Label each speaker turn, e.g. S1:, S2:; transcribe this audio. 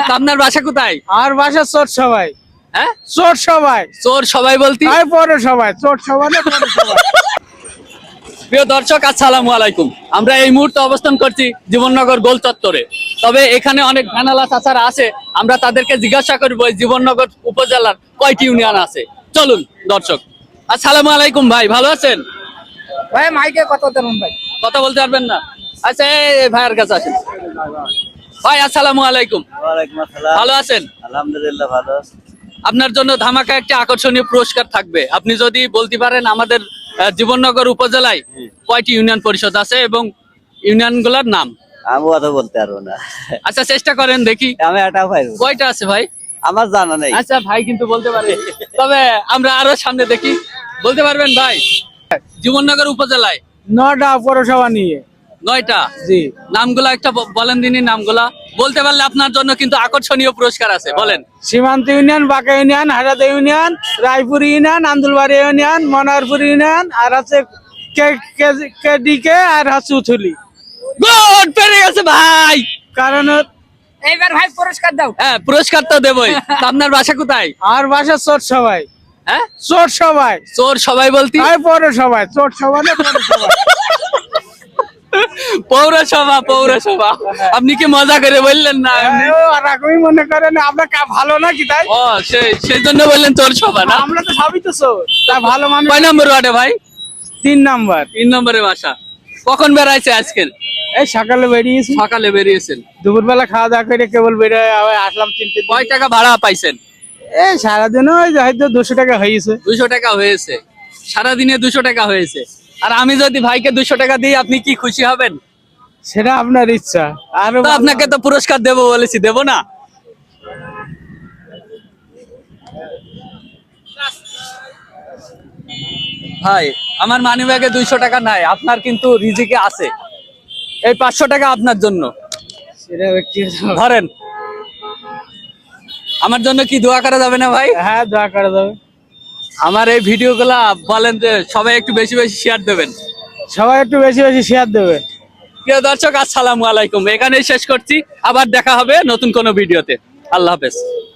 S1: আপনার বাসা কোথায়?
S2: আর বাসা চোর সবাই।
S1: হ্যাঁ,
S2: চোর সবাই।
S1: চোর সবাই বলতে
S2: পরে সবাই চোর সবাই না পরে সবাই।
S1: প্রিয় দর্শক, আসসালামু আলাইকুম। আমরা এই মুহূর্তে অবস্থান করছি জীবননগর গোল চত্বরে। তবে এখানে অনেক ভ্যানালা চাচারা আছে, আমরা তাদেরকে জিজ্ঞাসা করবো এই জীবননগর উপজেলার কয়টি ইউনিয়ন আছে। চলুন দর্শক। আসসালামু আলাইকুম ভাই, ভালো আছেন?
S2: ভাই মাইকে কত দেন ভাই?
S1: কথা বলতে পারবেন না? আচ্ছা, এই ভাইয়ের কাছে আসেন। ভাই আসসালামু আলাইকুম।
S3: ওয়ালাইকুম আসসালাম।
S1: ভালো আছেন?
S3: আলহামদুলিল্লাহ ভালো।
S1: আপনার জন্য ধামাকা একটি আকর্ষণীয় পুরস্কার থাকবে। আপনি যদি বলতে পারেন আমাদের জীবননগর উপজেলায় কয়টি ইউনিয়ন পরিষদ আছে এবং ইউনিয়ন গুলার নাম।
S3: আমি অত বলতে পারবো না।
S1: আচ্ছা, চেষ্টা করেন দেখি।
S3: আমি এটাও পারবো না।
S1: কয়টা আছে ভাই?
S3: আমার জানা নেই।
S1: আচ্ছা, ভাই কিন্তু বলতে পারে। তবে আমরা আরো সামনে দেখি। বলতে পারবেন ভাই? জীবননগর উপজেলায়
S2: 9টা পৌরসভা নিয়ে।
S1: 9টা।
S2: জি।
S1: নামগুলা একটা বলেন দিনই, নামগুলা বলতে পারলে আপনার জন্য কিন্তু আকর্ষণীয় পুরস্কার আছে। বলেন।
S2: Simanta union, Banka union, Harada union, Raipur union, Andulbari union, Manarpur union, আর আছে কেডিকে আর হচ্ছে উথুলি।
S1: গুড, পেরে গেছে ভাই।
S2: কারণ
S4: এইবার ভাই পুরস্কার দাও।
S1: হ্যাঁ, পুরস্কার তো দেবই। তা আপনার বাসা কোথায়?
S2: আর বাসা চোর সবাই।
S1: হ্যাঁ,
S2: চোর সবাই।
S1: চোর সবাই বলতে
S2: পরে সবাই চোর সবাই না পরে সবাই।
S1: পৌরসভা। পৌরসভা আপনি কি মজা করে বললেন না?
S2: আর এরকমই মনে করেন আপনার ভালো না কি তাই?
S1: ও, সেই জন্য বললেন চোর সভা না?
S2: আমরা তো সবই তো চোর, তাই ভালো মানুষ।
S1: কয় নম্বর ওয়ার্ডে ভাই?
S2: 3 নাম্বার।
S1: 3 নম্বরে বাসা। কখন বেড়াইছে আজকে?
S2: এই সকালে বেরিয়েছি,
S1: সকালে বেরিয়েছেন।
S2: দুপুরবেলা খাওয়া দাওয়া করে কেবল বেরিয়ে আসলাম 3টে।
S1: কয় টাকা ভাড়া পাইছেন?
S2: এই সারাদিন ওই হয়তো 200 টাকা হয়েছে।
S1: 200 টাকা হয়েছে। সারাদিনে 200 টাকা হয়েছে। আর আমি যদি ভাইকে 200 টাকা দিই, আপনি কি খুশি হবেন?
S2: সেটা আপনার ইচ্ছা। আর
S1: তো আপনাকে তো পুরস্কার দেবো বলেছি, দেবো না? ভাই, আমার মানিব্যাগে 200 টাকা নাই, আপনার কিন্তু রিজিকে আছে। এই 500 টাকা আপনার জন্য।
S2: সেটা
S1: ধরেন। আমার জন্য কি দোয়া করা যাবে না ভাই?
S2: হ্যাঁ, দোয়া করা যাবে।
S1: আমার এই ভিডিওগুলা বলেন যে সবাই একটু বেশি বেশি শেয়ার দেবেন।
S2: সবাই একটু বেশি বেশি শেয়ার দেবে।
S1: প্রিয় দর্শক, আসসালামু আলাইকুম। এখানেই শেষ করছি। আবার দেখা হবে নতুন কোনো ভিডিওতে। আল্লাহ হাফেজ।